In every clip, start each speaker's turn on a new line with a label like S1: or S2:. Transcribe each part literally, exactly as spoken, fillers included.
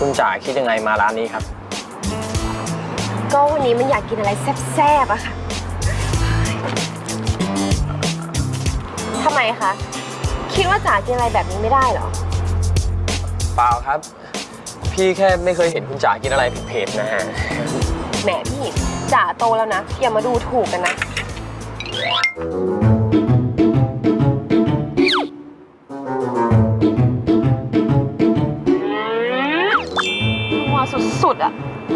S1: คุณจ๋าคิดยังไงมาร้านนี้ครับ
S2: ก็วันนี้มันอยากกินอะไรแซ่บๆอะค่ะทำไมคะคิดว่าจ๋ากินอะไรแบบนี้ไม่ได้เหรอ
S1: เปล่าครับพี่แค่ไม่เคยเห็นคุณจ๋ากินอะไรเผ็ดๆนะฮะ
S2: แหมพี่จ๋าโตแล้วนะอย่ามาดูถูกกันนะนัวสุดๆอะ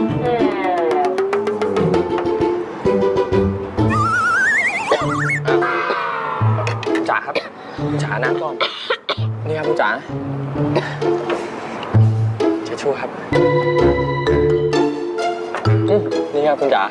S1: จ๋าครับคุณจ๋าน้ำก่อนนี่ครับคุณจ๋าเช็ดชู่ครับนี่ครับคุณจ๋า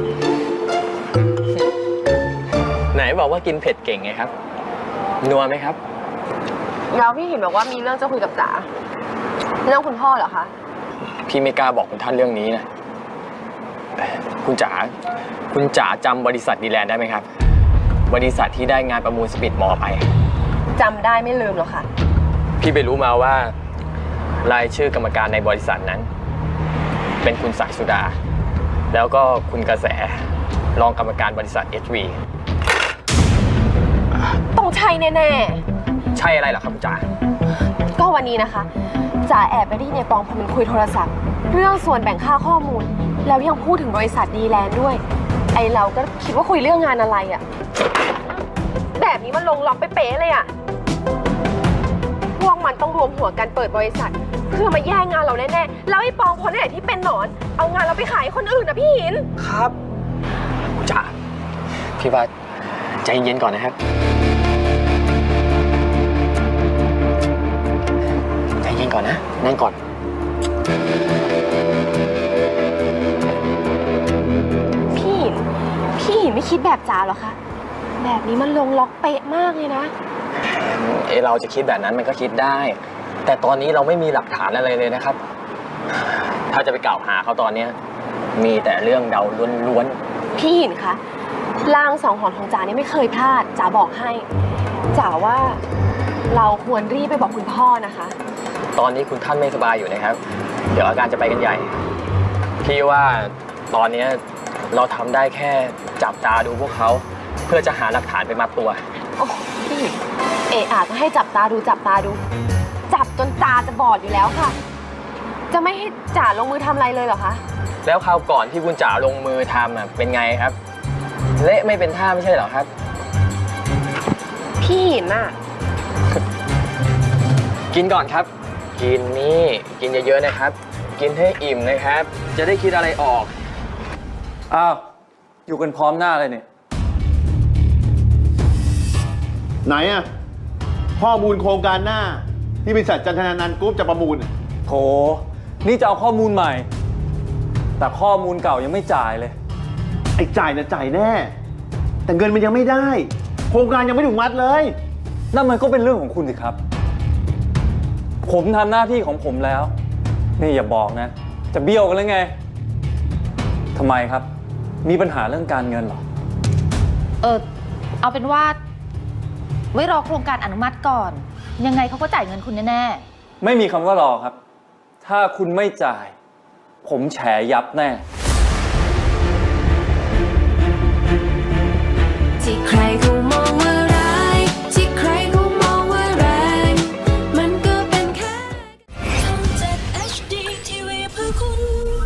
S1: ไหนบอกว่ากินเผ็ดเก่งไงครับนัวไหมครับ
S2: แล้วพี่เห็นบอกว่ามีเรื่องจะคุยกับจ๋าเรื่องคุณพ่อเหรอคะ
S1: พี่ไม่กล้าบอกคุณท่านเรื่องนี้นะคุณจ๋าคุณจ๋าจำบริษัทดีแลนด์ได้ไหมครับบริษัทที่ได้งานประมูลสปีดมอไป
S2: จำได้ไม่ลืมหรอกค่ะ
S1: พี่ไปรู้มาว่ารายชื่อกรรมการในบริษัทนั้นเป็นคุณสายสุดาแล้วก็คุณกระแสรองกรรมการบริษัท เอช วี
S2: ต้องใช่แน่
S1: ๆใช่อะไรเหรอครับคุณจ๋า
S2: ก็วันนี้นะคะจ๋าแอบไปได้ยินในปองพอมันคุยโทรศัพท์เรื่องส่วนแบ่งค่าข้อมูลแล้วยังพูดถึงบริษัทดีแลนด์ด้วยไอเราก็คิดว่าคุยเรื่องงานอะไรอะแบบนี้มันลงล็อกไปเป๊ะเลยอะพวกมันต้องรวมหัวกันเปิดบริษัทเพื่อมาแย่งงานเราแน่ๆแล้วไอ้ปองคนไหนที่เป็นหนอนเอางานเราไปขายคนอื่นนะพี่หิน
S1: ครับคุณจ๋าพี่ว่าใจเย็นก่อนนะครับใจเย็นก่อนนะนั่งก่อน
S2: พี่หินพี่หินไม่คิดแบบจ๋าหรอคะแบบนี้มันลงล็อกเป๊ะมากเลยนะ
S1: เอเราจะคิดแบบนั้นมันก็คิดได้แต่ตอนนี้เราไม่มีหลักฐานอะไรเลยนะครับถ้าจะไปกล่าวหาเขาตอนนี้มีแต่เรื่องเดาล้วน
S2: ๆพี่หินคะลางสองหอนของจ๋านี่ไม่เคยพลาดจ๋าบอกให้จ๋าว่าเราควรรีบไปบอกคุณพ่อนะคะ
S1: ตอนนี้คุณท่านไม่สบายอยู่นะครับเดี๋ยวอาการจะไปกันใหญ่พี่ว่าตอนนี้เราทำได้แค่จับตาดูพวกเขาเพื่อจะหาหลักฐานไปมัดตัว
S2: โอ้พี่เอะอาจจะให้จับตาดูจับตาดูจับจนตาจะบอดอยู่แล้วค่ะจะไม่ให้จ๋าลงมือทำอะไรเลยเหรอคะ
S1: แล้วคราวก่อนที่คุณจ๋าลงมือทำอ่ะเป็นไงครับเละไม่เป็นท่าไม่ใช่เหรอครับ
S2: พี่หินน่ะ
S1: กินก่อนครับกินนี่กินเยอะๆนะครับกินให้อิ่มนะครับจะได้คิดอะไรออก
S3: อ้าวอยู่กันพร้อมหน้าเลยเนี่ย
S4: ไหนอะข้อมูลโครงการหน้าที่บริษัทจันทนานันท์กรุ๊ปจะประมูล
S3: โถนี่จะเอาข้อมูลใหม่แต่ข้อมูลเก่ายังไม่จ่ายเลย
S4: ไอ้จ่ายนะจ่ายแน่แต่เงินมันยังไม่ได้โครงการยังไม่ถูกมัดเลย
S3: นั่นมันก็เป็นเรื่องของคุณสิครับผมทำหน้าที่ของผมแล้วนี่อย่าบอกนะจะเบี้ยวกันแล้วไงทำไมครับมีปัญหาเรื่องการเงินหรอ
S5: เออเอาเป็นว่าไว้รอโครงการอนุมัติก่อนยังไงเขาก็จ่ายเงินคุณแน่
S3: ๆไม่มีคำว่ารอครับถ้าคุณไม่จ่ายผมแฉยับแน่
S6: ที่ใครเขามองว่าร้ายที่ใครเขามองว่าแรงมันก็เป็นแค่ช่อง เจ็ด เอช ดี ที วี เพื่อคุณ